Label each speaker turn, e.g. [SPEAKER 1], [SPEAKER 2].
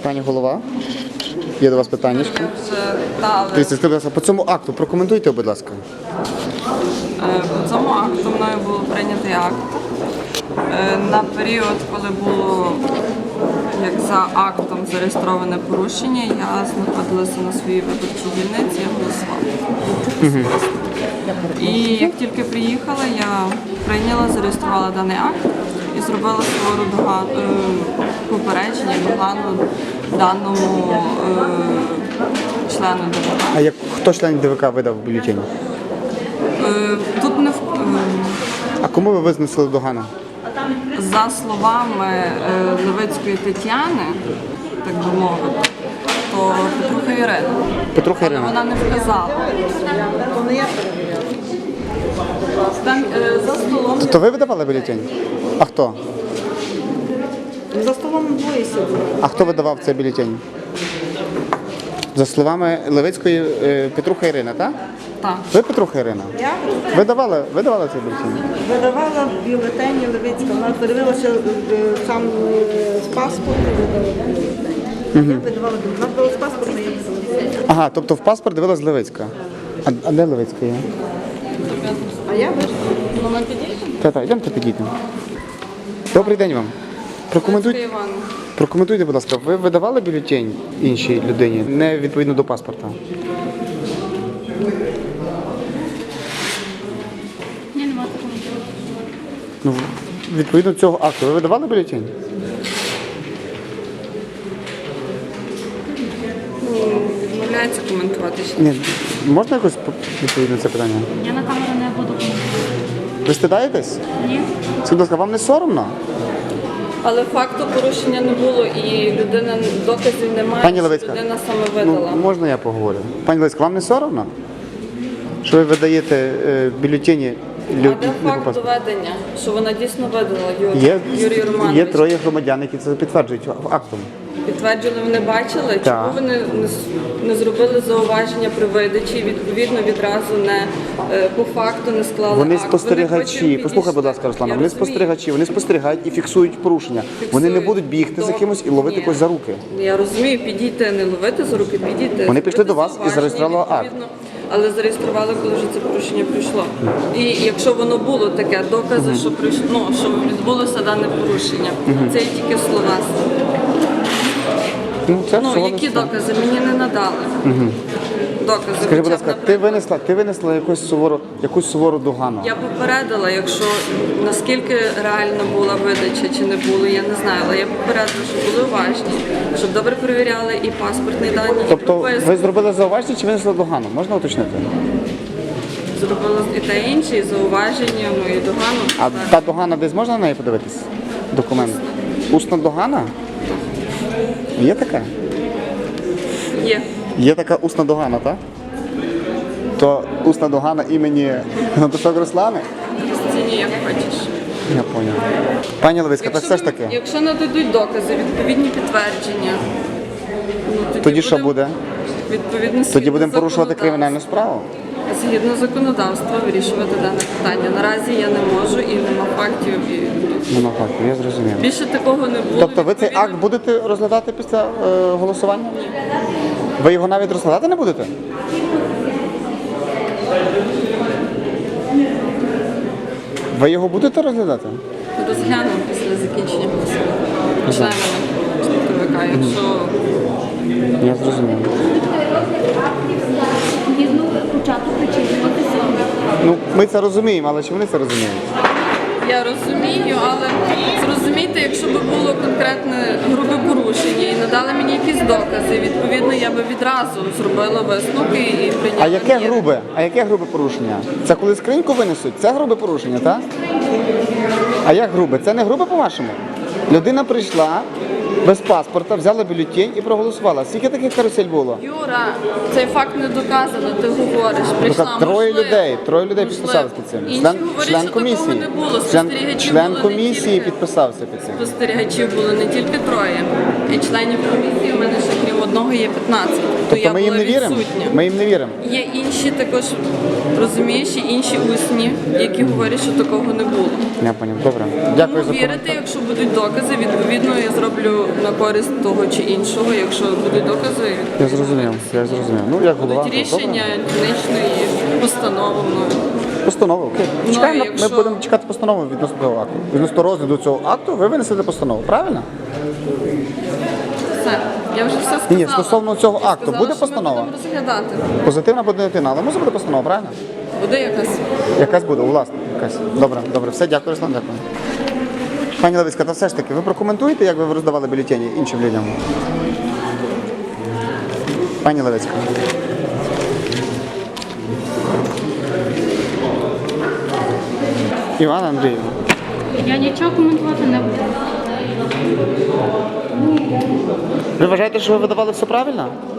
[SPEAKER 1] Пані голова, є до вас питання. Скажіть, будь ласка, по цьому акту прокоментуйте, будь ласка.
[SPEAKER 2] По цьому акту мною був прийнятий акт. На період, коли було як за актом зареєстроване порушення, я знаходилася на своїй виборчій дільниці, я голосувала. І як тільки приїхала, я прийняла, зареєструвала даний акт і зробила свого попередження, догану даному члену ДВК.
[SPEAKER 1] А хто член ДВК видав бюлетень?
[SPEAKER 2] Тут не
[SPEAKER 1] А кому ви винесли догану?
[SPEAKER 2] за словами Левицької Тетяни, так би мовити, то Петруха Ірина.
[SPEAKER 1] Петруха Ірина.
[SPEAKER 2] Вона не вказала. Там за столом.
[SPEAKER 1] То ви видавали бюлетень? А хто?
[SPEAKER 3] За столом двоє сиділи.
[SPEAKER 1] А хто видавав цей бюлетень? За словами Левицької Петруха Ірина, так?
[SPEAKER 2] Так.
[SPEAKER 1] Ви Петруха Ірина?
[SPEAKER 3] Я
[SPEAKER 1] Видавали цей бюлетень?
[SPEAKER 3] видавала бюлетені Левицька. Вона подивилася сам з паспорту. Я видавала вона була з паспорту, я видавала.
[SPEAKER 1] Ага, тобто в паспорт дивилась Левицька. А де Левицька є?
[SPEAKER 3] А я вийшла.
[SPEAKER 2] Вона підійде?
[SPEAKER 1] Та, йдемте підійдемо. Добрий день вам. Прокоментуйте, будь ласка, ви видавали бюлетень іншій людині, не відповідно до паспорта?
[SPEAKER 2] Ні, нема такого.
[SPEAKER 1] Ну, відповідно до цього акту, ви видавали бюлетень?
[SPEAKER 2] Відмовляється коментувати.
[SPEAKER 1] Ні. Можна якось відповідати на це питання?
[SPEAKER 2] Я на камеру не буду коментувати.
[SPEAKER 1] Ви стидаєтесь?
[SPEAKER 2] Ні.
[SPEAKER 1] Скажіть, будь ласка, вам не соромно?
[SPEAKER 2] Але факту порушення не було і людина доказів немає,
[SPEAKER 1] Пані
[SPEAKER 2] що
[SPEAKER 1] Левицька,
[SPEAKER 2] людина саме видала.
[SPEAKER 1] Ну, можна я поговорю? Пані Левицька, вам не соромно? Що ви видаєте бюлетені
[SPEAKER 2] А де факт доведення, що вона дійсно видала Юрій Романович?
[SPEAKER 1] Є троє громадян, які це підтверджують актом.
[SPEAKER 2] Підтверджували, вони бачили,
[SPEAKER 1] Так.
[SPEAKER 2] чому вони не зробили зауваження при видачі, відповідно відразу не по факту не склали
[SPEAKER 1] Вони
[SPEAKER 2] акт.
[SPEAKER 1] спостерігачі,
[SPEAKER 2] потім
[SPEAKER 1] послухай, будь ласка,
[SPEAKER 2] підійшли.
[SPEAKER 1] Руслана,
[SPEAKER 2] Я
[SPEAKER 1] вони
[SPEAKER 2] розумію.
[SPEAKER 1] спостерігачі, вони спостерігають і фіксують порушення. Вони не будуть бігти за кимось і ловити
[SPEAKER 2] Ні.
[SPEAKER 1] когось за руки.
[SPEAKER 2] Я розумію, підійти, не ловити за руки, підійти.
[SPEAKER 1] Вони пішли
[SPEAKER 2] зробити
[SPEAKER 1] до вас і
[SPEAKER 2] зауваження,
[SPEAKER 1] зареєстрували акт.
[SPEAKER 2] відповідно, але зареєстрували, коли вже це порушення прийшло. І якщо воно було таке, докази, що прийшло, що відбулося дане порушення, це є тільки слова.
[SPEAKER 1] Це
[SPEAKER 2] Ну,
[SPEAKER 1] всього
[SPEAKER 2] які
[SPEAKER 1] лише.
[SPEAKER 2] докази мені не надали. Докази.
[SPEAKER 1] Скажи, будь
[SPEAKER 2] хоча б,
[SPEAKER 1] ласка,
[SPEAKER 2] наприклад,
[SPEAKER 1] ти винесла якусь сувору догану?
[SPEAKER 2] я попередила, якщо наскільки реально була видача чи не було, я не знаю, але я попередила, щоб були уважні, щоб добре перевіряли і паспортні дані, і
[SPEAKER 1] Тобто
[SPEAKER 2] прописку.
[SPEAKER 1] ви зробили зауваження чи винесли догану? Можна уточнити?
[SPEAKER 2] Зробила і те інше, і зауваження, ну і догану.
[SPEAKER 1] А
[SPEAKER 2] Так.
[SPEAKER 1] та догана десь можна на неї подивитись? Документ? Усна догана? Є така?
[SPEAKER 2] Є.
[SPEAKER 1] Є така усна догана, так? То усна догана імені Гнатушок Руслани?
[SPEAKER 2] Стіні, як хочеш.
[SPEAKER 1] Я поняв. Пані Левицька, так все ж таки.
[SPEAKER 2] Якщо нададуть докази, відповідні підтвердження, ну,
[SPEAKER 1] Тоді що буде?
[SPEAKER 2] Відповідно,
[SPEAKER 1] Тоді будемо порушувати кримінальну справу?
[SPEAKER 2] Згідно законодавства вирішувати дане питання. Наразі я не можу і нема фактів. І
[SPEAKER 1] Ну, так, я зрозумів.
[SPEAKER 2] більше такого не було.
[SPEAKER 1] Тобто ви цей
[SPEAKER 2] відповідно.
[SPEAKER 1] акт будете розглядати після голосування? Ви його навіть розглядати не будете? Ви його будете розглядати?
[SPEAKER 2] Розглянемо після закінчення голосування. Членами ТВК, якщо
[SPEAKER 1] Я зрозумів. Ну, ми це розуміємо, але чи вони це розуміють?
[SPEAKER 2] я розумію, але зрозумійте, якщо б було конкретне грубе порушення і надали мені якісь докази, відповідно я би відразу зробила висновки і прийняла.
[SPEAKER 1] А яке
[SPEAKER 2] міри.
[SPEAKER 1] грубе? А яке грубе порушення? Це коли скриньку винесуть? Це грубе порушення, так? А як грубе? Це не грубе по-вашому? Людина прийшла без паспорта, взяла бюлетень і проголосувала. Скільки таких карусель було?
[SPEAKER 2] Юра, цей факт не доказано, ти говориш. Прийшла,
[SPEAKER 1] Троє
[SPEAKER 2] можливо,
[SPEAKER 1] людей підписалися під цим.
[SPEAKER 2] Інші
[SPEAKER 1] Член
[SPEAKER 2] говорять, що такого
[SPEAKER 1] комісії.
[SPEAKER 2] не було. Спостерігачів
[SPEAKER 1] Член
[SPEAKER 2] було не
[SPEAKER 1] комісії
[SPEAKER 2] тільки.
[SPEAKER 1] підписався під цим.
[SPEAKER 2] Спостерігачів було не тільки троє. І членів комісії у мене ще крім одного є 15. То
[SPEAKER 1] Тобто
[SPEAKER 2] я
[SPEAKER 1] ми їм
[SPEAKER 2] була
[SPEAKER 1] не віримо?
[SPEAKER 2] відсутня.
[SPEAKER 1] Ми їм не віримо.
[SPEAKER 2] Є інші також, розумієш, і інші усні, які говорять, що такого не було.
[SPEAKER 1] Я поняв. Добре. Дякую за
[SPEAKER 2] Тому вірити,
[SPEAKER 1] коментар.
[SPEAKER 2] якщо будуть докази, відповідно я зроблю на користь того чи іншого, якщо будуть докази.
[SPEAKER 1] Я зрозумів. Ну, як голова.
[SPEAKER 2] Будуть
[SPEAKER 1] то
[SPEAKER 2] рішення
[SPEAKER 1] добре.
[SPEAKER 2] дільничної постанови мною.
[SPEAKER 1] Постанови, окей.
[SPEAKER 2] Ну,
[SPEAKER 1] Чекаємо,
[SPEAKER 2] якщо-
[SPEAKER 1] ми будемо чекати постанови відносно цього акту. Відносно розгляду цього акту ви винесете постанову, правильно?
[SPEAKER 2] Все, я вже все сказала.
[SPEAKER 1] Ні, стосовно цього
[SPEAKER 2] Я
[SPEAKER 1] акту
[SPEAKER 2] сказала,
[SPEAKER 1] буде
[SPEAKER 2] що
[SPEAKER 1] постанова?
[SPEAKER 2] Ми будемо розглядати.
[SPEAKER 1] Позитивна або негативна, але може бути постанова, правильно?
[SPEAKER 2] Буде якась.
[SPEAKER 1] Якась буде, власне, якась. Добре. Все, дякую, Руслан, дякую. Пані Левицька, та все ж таки, ви прокоментуєте, як ви роздавали бюлетені іншим людям? Пані Левицька. Івана Андріївна.
[SPEAKER 4] Я нічого коментувати не буду.
[SPEAKER 1] Ви вважаєте, що ви видавали все правильно?